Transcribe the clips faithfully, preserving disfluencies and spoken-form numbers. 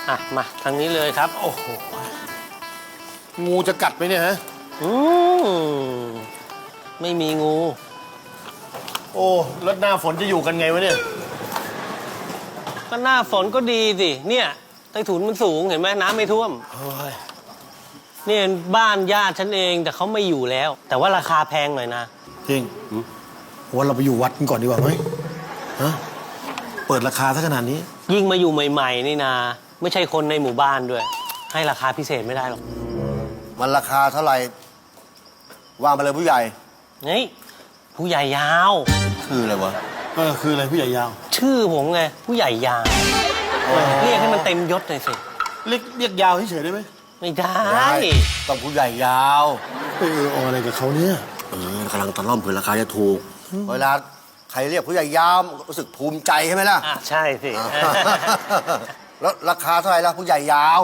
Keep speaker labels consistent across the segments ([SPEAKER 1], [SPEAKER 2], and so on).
[SPEAKER 1] อ่ะมาทางนี้เลยครับโอ้โห
[SPEAKER 2] งูจะกัดไหมเนี่ยฮะ
[SPEAKER 1] อืมไม่มีงู
[SPEAKER 2] โอ้รถหน้าฝนจะอยู่กันไงวะเนี่ย
[SPEAKER 1] ก็หน้าฝนก็ดีสิเนี่ยใต้ถุนมันสูงเห็นไหมน้ำไม่ท่วมนี่บ้านญาติฉันเองแต่เขาไม่อยู่แล้ว แต่ว่าราคาแพงหน่อยนะ
[SPEAKER 2] จริงว่าเราไปอยู่วัดกันก่อนดีกว่าไหมฮะเปิดราคาซะขนาดนี้
[SPEAKER 1] ยิ่งมาอยู่ใหม่ๆนี่นะไม่ใช่คนในหมู่บ้านด้วยให้ราคาพิเศษไม่ได้หรอก
[SPEAKER 3] มันราคาเท่าไหร่ว่ามาเลยผู้ใหญ่
[SPEAKER 1] นี่ผู้ใหญ่ยาว
[SPEAKER 3] คืออะไรวะ
[SPEAKER 2] เออคืออะไรผู้ใหญ่ยาว
[SPEAKER 1] ชื่อผมไงผู้ใหญ่ยาวเรียกให้มันเต็มยศหน่อยสิ
[SPEAKER 2] เรียกเรียกยาวเฉยๆได้ไหม
[SPEAKER 1] ไม่ได้
[SPEAKER 3] ต้องผู้ใหญ่ยาว
[SPEAKER 2] เออเอาอะไรกับเขาเนี่ย
[SPEAKER 3] เออกำลังตะล่อมเผื่อราคาจะถูกเวลาใครเรียกผู้ใหญ่ยาวรู้สึกภูมิใจใช่ไหมล่ะ
[SPEAKER 1] อ่ะใช่สิ
[SPEAKER 3] แล้วราคาเท่าไหร่ล่ะผู้ใหญ่ยาว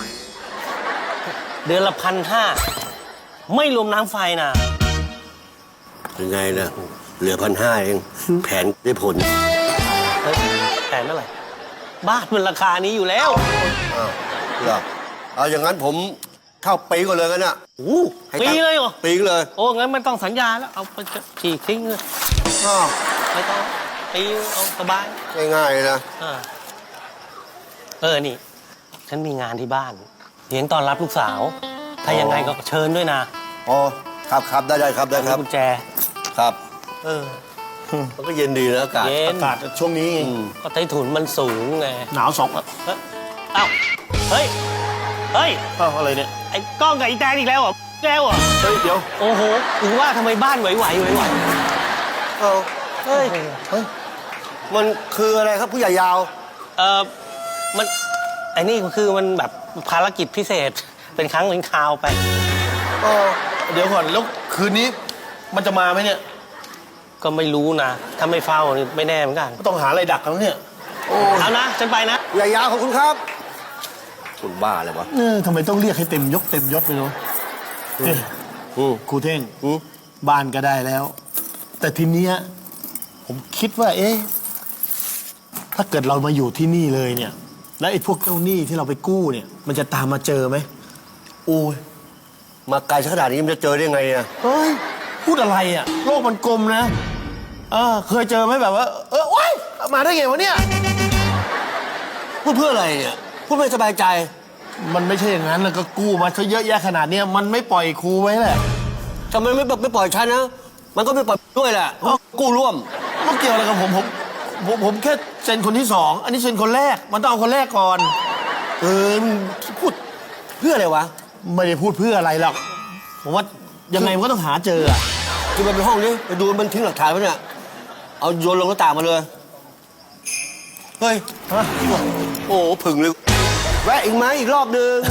[SPEAKER 1] เดือนละพันห้าไม่รวมน้ำไฟนะ
[SPEAKER 3] ยังไงนะเหลือพันห้าเองแผนได้ผล
[SPEAKER 1] แผนเท่าไหร่บ้านมันราคานี้อยู่แล้ว
[SPEAKER 3] อ้าวเหรอเอาอย่างนั้นผมเข้าปีก่อนเลยกันน่ะ
[SPEAKER 1] โอ้ปีเลยเหรอ
[SPEAKER 3] ปีเลย
[SPEAKER 1] โอ้งั้นมันต้องสัญญาแล้วเอาไปฉีกทิ้งเลย
[SPEAKER 3] อ้าว
[SPEAKER 1] ไม่ต้องปีเอาสบาย
[SPEAKER 3] ง่ายๆนะ
[SPEAKER 1] เออนี่ฉันมีงานที่บ้านเลี้ยงต้อนรับลูกสาวถ้ายังไงก็เชิญด้วยนะ
[SPEAKER 3] อ๋อครับครับได้ได้ครับได้ครับ
[SPEAKER 1] กุญแจ
[SPEAKER 3] ครับ
[SPEAKER 1] เออ
[SPEAKER 3] มันก็เย็นดีนะอากาศ
[SPEAKER 2] อากาศช่วงนี้
[SPEAKER 1] ก็ใต้ถุนมันสูงไง
[SPEAKER 2] หนาวสอง
[SPEAKER 1] เอ้าเฮ้ยเฮ้ย
[SPEAKER 2] เอ้าอะไรเนี่ย
[SPEAKER 1] ไอ้ก้องกับไอ้แตนอีกแล้วเหรอแล้วเหรอ
[SPEAKER 2] เฮ้ยเดี๋ยว
[SPEAKER 1] โอ้โหถึงว่าทำไมบ้านไหวไหวไหวไหว
[SPEAKER 3] เออเฮ้ยเฮ้ยมันคืออะไรครับผู้ใหญ่ยาว
[SPEAKER 1] เออมันไอ้นี่คือมันแบบภารกิจพิเศษเป็นครั้งเป็นคราวไป
[SPEAKER 2] เออเดี๋ยวก่อนแล้วคืนนี้มันจะมาไหมเนี่ย
[SPEAKER 1] ก็ไม่รู้นะถ้าไม่เฝ้าไม่แน่เหมือนกัน
[SPEAKER 2] ต้องหาอะไรดักกันเนี่ย
[SPEAKER 1] โอ้เอานะฉันไปนะ
[SPEAKER 3] ผู้ใหญ่ยาวขอบคุณครับคุณบ้าเลยวะ
[SPEAKER 2] เออทำไมต้องเรียกให้เต็มยกเต็มยศไปเนาะครูเท่งบ้านก็ได้แล้วแต่ทีเนี้ยผมคิดว่าเอ๊ะถ้าเกิดเรามาอยู่ที่นี่เลยเนี่ยแล้วไอ้พวกเจ้าหนี้ที่เราไปกู้เนี่ยมันจะตามมาเจอไหมโอ้ย
[SPEAKER 3] มาไกลขนาดนี้มันจะเจอได้ไงอ่ะ
[SPEAKER 2] เฮ้ยพูดอะไรอ่ะโลกมันกลมนะเออเคยเจอไหมแบบว่าเออโอ๊ยมาได้ไงวะเนี่ย
[SPEAKER 3] พูดเพื่ออะไรเนี่ยพูดไม่สบายใจ
[SPEAKER 2] มันไม่ใช่อย่างนั้นแล้วก็กู้มาเขาเยอะแยะขนาดนี้มันไม่ปล่อยครูไว้แหละ
[SPEAKER 3] ทำไมไม่ไม่ปล่อยฉันนะมันก็ไม่ปล่อยด้วยแหละกู้ร่วม
[SPEAKER 2] มันเกี่ยวอะไรกับผมผมผมผมแค่เซ็นคนที่สองอันนี้เซ็นคนแรกมันต้องเอาคนแรกก่อน
[SPEAKER 3] เออพูดเพื่ออะไรวะ
[SPEAKER 2] ไม่ได้พูดเพื่ออะไรหรอกผมว่ายังไงมันก็ต้องหาเจออ่ะ
[SPEAKER 3] คือมันไปห้องนี้ไปดูมันทิ้งหลักฐานไว้เนี่ยเอาโยนลงหน้าต่างมาเลยเฮ้ยโอ้ผึ่งเลยแวะอีกไหมอีกรอบนึง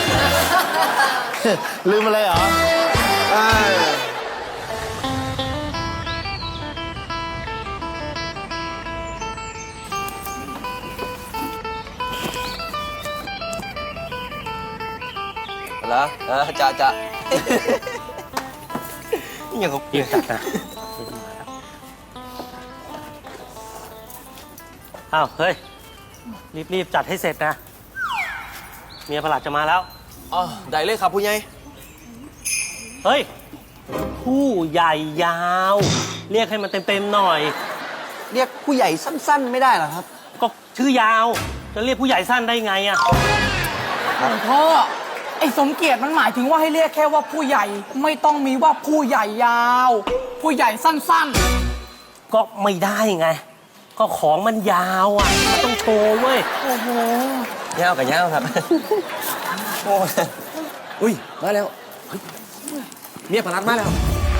[SPEAKER 2] ลืมอะไรเหรอ
[SPEAKER 3] แล้วเออจะจะ
[SPEAKER 1] ยังเขาเปลี่ยนจัดนะอ้าวเฮ้ยรีบๆจัดให้เสร็จนะเมียประหลัดจะมาแล้ว
[SPEAKER 4] อ๋อได้เลยครับผู้ใหญ่
[SPEAKER 1] เฮ้ยผู้ใหญ่ยาวเรียกให้มันเต็มๆหน่อย
[SPEAKER 4] เรียกผู้ใหญ่สั้นๆไม่ได้หรอครับ
[SPEAKER 1] ก็ชื่อยาวจะเรียกผู้ใหญ่สั้นได้ไงอะ
[SPEAKER 5] พ่อไอ้สมเกียรติมันหมายถึงว่าให้เรียกแค่ว่าผู้ใหญ่ไม่ต้องมีว่าผู้ใหญ่ยาวผู้ใหญ่สั้น
[SPEAKER 1] ๆก็ไม่ได้ไงก็ของมันยาวอ่ะมันต้องโชว์เว้ย
[SPEAKER 5] โอ้โห
[SPEAKER 4] ยาวกับยาวครับโอ้อุ้ยมาแล้วเมียพลัดมาแล้ว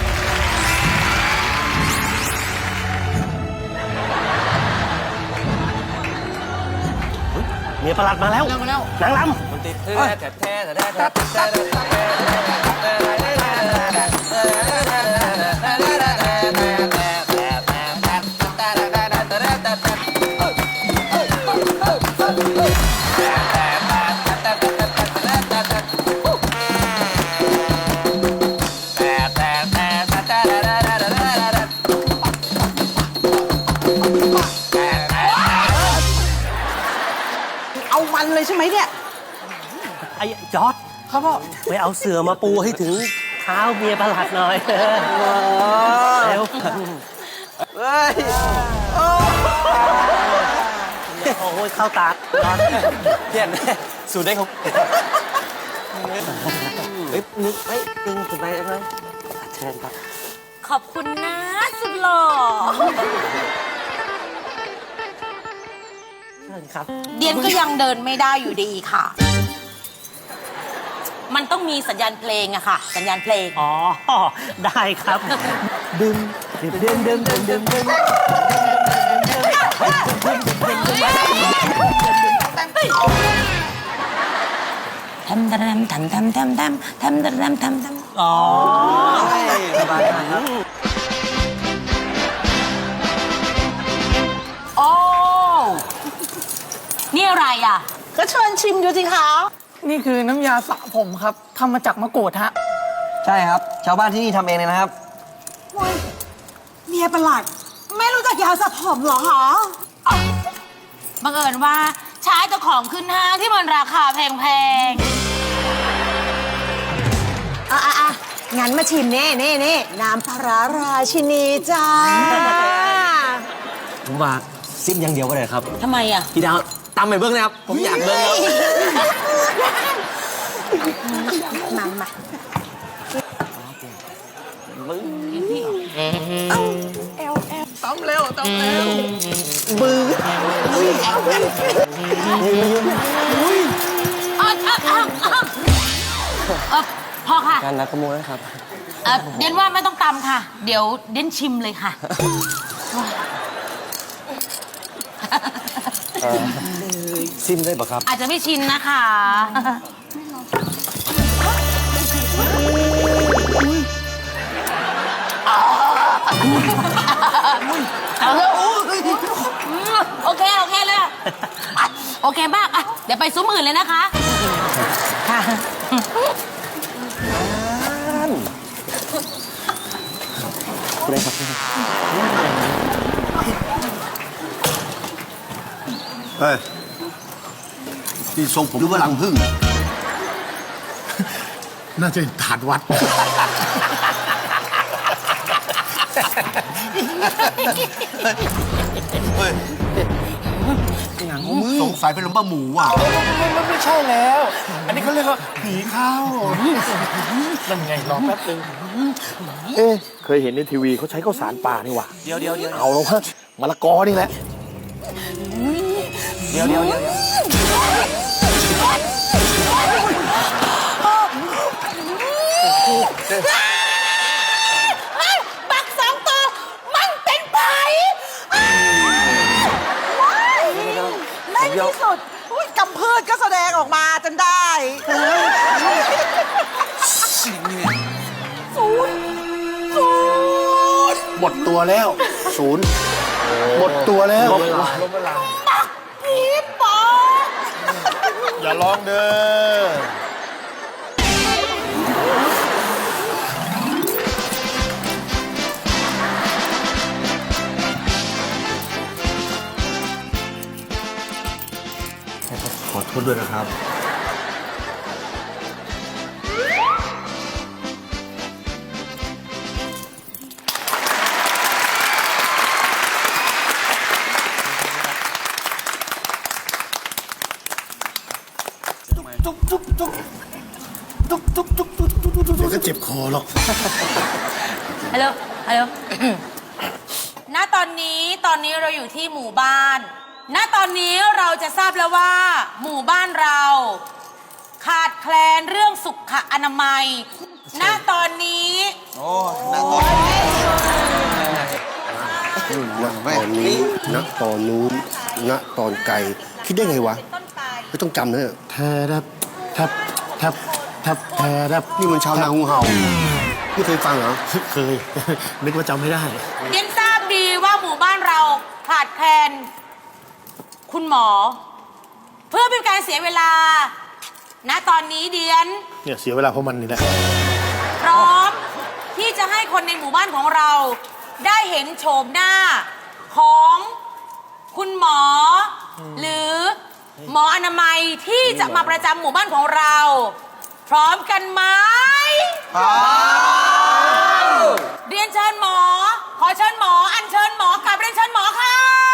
[SPEAKER 1] เมียประหลัดมาแล้วนางลำ
[SPEAKER 4] มันติดแท้แท้แท้แท้แท้แท้
[SPEAKER 5] เอา
[SPEAKER 6] เอามันเลยใช่ไหมเนี่ย
[SPEAKER 1] ไอ้จอร์ด
[SPEAKER 5] ครับพ่อ
[SPEAKER 1] ไปเอาเสือมาปูให้ถึงเท้าเมียประหลัดหน่อยเร็ว
[SPEAKER 3] เฮ้ย
[SPEAKER 1] โอ้ยเข้าตาจอร์ด
[SPEAKER 4] เพี้ยนสูตรได้ครับเฮ้ยนึกเฮ้ยตึงสุดไปได้ไหมเชิญครับ
[SPEAKER 7] ขอบคุณนะสุดหล่อ
[SPEAKER 1] เชิญครับ
[SPEAKER 7] เดียนก็ยังเดินไม่ได้อยู่ดีค่ะ มันต้องมีสัญญาณเพลงอะค่ะ สัญญาณเพลง
[SPEAKER 1] อ๋อ ได้ครับ ดึงดึงดึงดึงดึงดึงดึง
[SPEAKER 7] ทำทำทำทำทำทำทำทำทำทำทำ
[SPEAKER 1] อ๋อ
[SPEAKER 4] สบายมากครับ
[SPEAKER 7] โอ้ นี่อะไรอ่ะ
[SPEAKER 6] ก็เชิญชิมดูสิคะ
[SPEAKER 5] นี่คือน้ำยาสระผมครับทำมาจากมะกรูดฮะ
[SPEAKER 4] ใช่ครับ ชาวบ้านที่นี่ทำเองเลยนะครับ
[SPEAKER 6] เมียประหลัด ไม่รู้จักยาสระผมเหรอคะ
[SPEAKER 7] บังเอิญว่าใช้แต่ของขึ้นห้างที่มันราคาแพง
[SPEAKER 6] อ่ะอ่ะอ่ะงั้นมาชิมเน่เน่เน่น้ำปลาร้าราชินีจ้า
[SPEAKER 4] ผมว่าซิมอย่างเดียวก็ได้ครับ
[SPEAKER 7] ๆทำไมอ่ะ
[SPEAKER 4] พี่ดาวตามไปเบิ้งนะครับ ผมอยากเบิ้งแล้ว
[SPEAKER 6] มามา
[SPEAKER 5] ตำเร็วตำเร็ว
[SPEAKER 7] อ่ะอ่ะอ่ะอ่ะเออพอค่ะ
[SPEAKER 4] การนัดขโมยนะครับ
[SPEAKER 7] เอ่อเดียนว่าไม่ต้องตำค่ะ เดี๋ยวเดียนชิมเลยค่ะ
[SPEAKER 4] ซิมได้ปะครับ
[SPEAKER 7] อาจจะไม่ชินนะคะ เอาเลยโอเค โอเคเลยอ่ะโอเคมากอ่ะเดี๋ยวไปซุ้มอื่นเลยนะคะ ค่ะ
[SPEAKER 3] เฮ้ยที่ทรงผมหรือว่าลังพึ่ง
[SPEAKER 2] น่าจะถาดวัด
[SPEAKER 3] เฮ้ยสงสัยเป็นหลวงป้าหมูว่ะ
[SPEAKER 2] มันไม่ใช่แล้ว อันนี้เขาเรียกว่าผีเข้านั่นไงรอแป๊บนึงเอ๊ะเคยเห็นในทีวีเขาใช้ข้าวสารป่านี่หว่า
[SPEAKER 4] เดี๋ยวเดี๋ยวเดี๋ยว
[SPEAKER 2] เอาแล้วฮะมะละกอนี่แหละ
[SPEAKER 4] เดี๋ยวเดี๋ยวเดี๋ยว
[SPEAKER 7] บักสองตัวมันเป็นไผ่
[SPEAKER 6] ในที่สุดอุ๊ยกำพืชก็แสดงออกมาจนได้
[SPEAKER 2] หมดตัวแล้ว ศูนย์หมดตัวแล้ว
[SPEAKER 6] ผีปอบ
[SPEAKER 2] อย่าร้องเด้อ
[SPEAKER 3] ขอโทษด้วยนะครับ
[SPEAKER 2] เดี๋ยวก็เจ็บคอหรอก
[SPEAKER 7] ฮัลโหล ฮัลโหล ณ ตอนนี้ ตอนนี้เราอยู่ที่หมู่บ้าน ณ ตอนนี้เราจะทราบแล้วว่า หมู่บ้านเรา ขาดแคลนเรื่องสุขอนามัย ณ ตอนนี้
[SPEAKER 3] รุ่นณตอนนี้ณตอนนู้นณตอนไกล คิดได้ไงวะ
[SPEAKER 7] ต้นไป
[SPEAKER 3] ไม่ต้องจำเนอะ
[SPEAKER 2] แทรับทับทับทับแทรับ
[SPEAKER 3] นี่มันชาวนางูเห่าไม่เคยฟังเหรอ
[SPEAKER 2] เคย นึกว่าจำไม่ได้
[SPEAKER 7] เดียนทราบดีว่าหมู่บ้านเราขาดแคลนคุณหมอ เพื่อเป็นการเสียเวลา ณ ตอนนี้เดียน
[SPEAKER 2] เนี่ยเสียเวลาเพราะมันนี่แหละ
[SPEAKER 7] พร้อมที่จะให้คนในหมู่บ้านของเรา ได้เห็นโฉมหน้าของคุณหมอ หรือหมออนามัยที่จะมาประจำหมู่บ้านของเรา พร้อมกันไหมพร้อมเรียนเชิญหมอ ขอเชิญหมอ อัญเชิญหมอกลับเรียนเชิญหมอค่ะ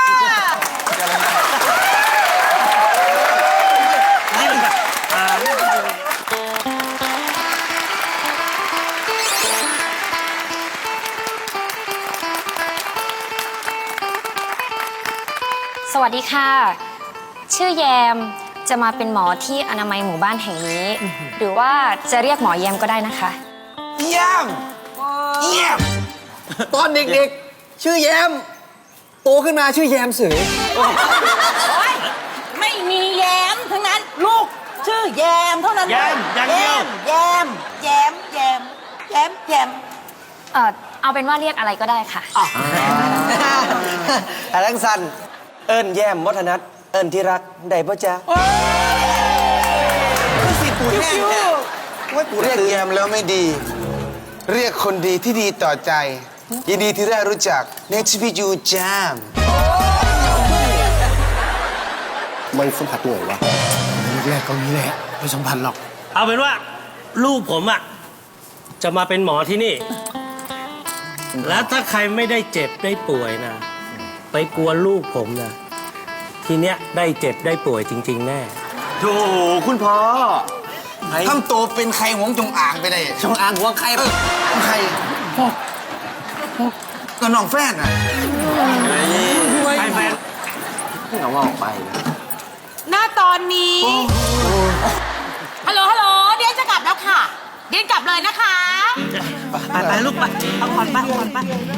[SPEAKER 8] สวัสดีค่ะ ชื่อแยมจะมาเป็นหมอที่อนามัยหมู่บ้านแห่งนี้ หรือว่าจะเรียกหมอแยมก็ได้นะคะ
[SPEAKER 4] เยี่ยมเยี่ยมตอนเด็กๆ ชื่อแยม โตขึ้นมาชื่อแยมเสือ
[SPEAKER 7] โอ๊ยไม่มีแยมทั้งนั้น ลูกชื่อแยมเท่านั้น
[SPEAKER 1] แยมอย่างเดียว
[SPEAKER 7] แยมแยมแยมแยมแยม
[SPEAKER 8] เอ่อเอาเป็นว่าเรียกอะไรก็ได้ค่ะ
[SPEAKER 4] แต่ลังสันเอิญแยมวัฒนัทเอิญที่รักได้ปะจ๊ะสิปูแห้งเนี่ยว่าปู
[SPEAKER 9] เรียก
[SPEAKER 4] แห้ง
[SPEAKER 9] แยมแล้วไม่ดี เรียกคนดีที่ดีต่อใจ ยินดีที่ได้รู้จัก Next to you Jam
[SPEAKER 3] มันสัมผัสเหนื่อยวะ
[SPEAKER 2] แรกๆก็นี้แหละไม่สัมพันธ์หรอก
[SPEAKER 1] เอาเป็นว่าลูกผมอ่ะจะมาเป็นหมอที่นี่ แล้วถ้าใครไม่ได้เจ็บได้ป่วยนะ ไปกลัวลูกผมนะ ทีเนี้ยได้เจ็บได้ป่วยจริง ๆ แน่
[SPEAKER 4] โถคุณพ่อ
[SPEAKER 9] ทำตัวเป็นใครหวงจงอ่างไปได้
[SPEAKER 4] จงอางหัวใคร
[SPEAKER 9] เออของใครก็น้องแฟนอ่ะ
[SPEAKER 1] ไปแฟน
[SPEAKER 4] เอาว่าออกไป
[SPEAKER 7] หน้าตอนนี้ ฮัลโหล ฮัลโหล เดียนจะกลับแล้วค่ะ เดียนกลับเลยนะคะ
[SPEAKER 1] ไปไปลูกไปเอาผ่อนไปผ่อนไป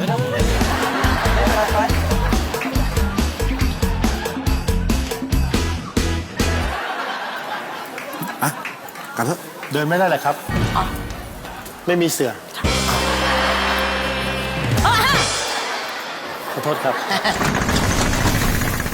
[SPEAKER 9] กลับเถอะ
[SPEAKER 2] เดินไม่ได้เลยครับ ไม่มีเสือ ขอโทษครับ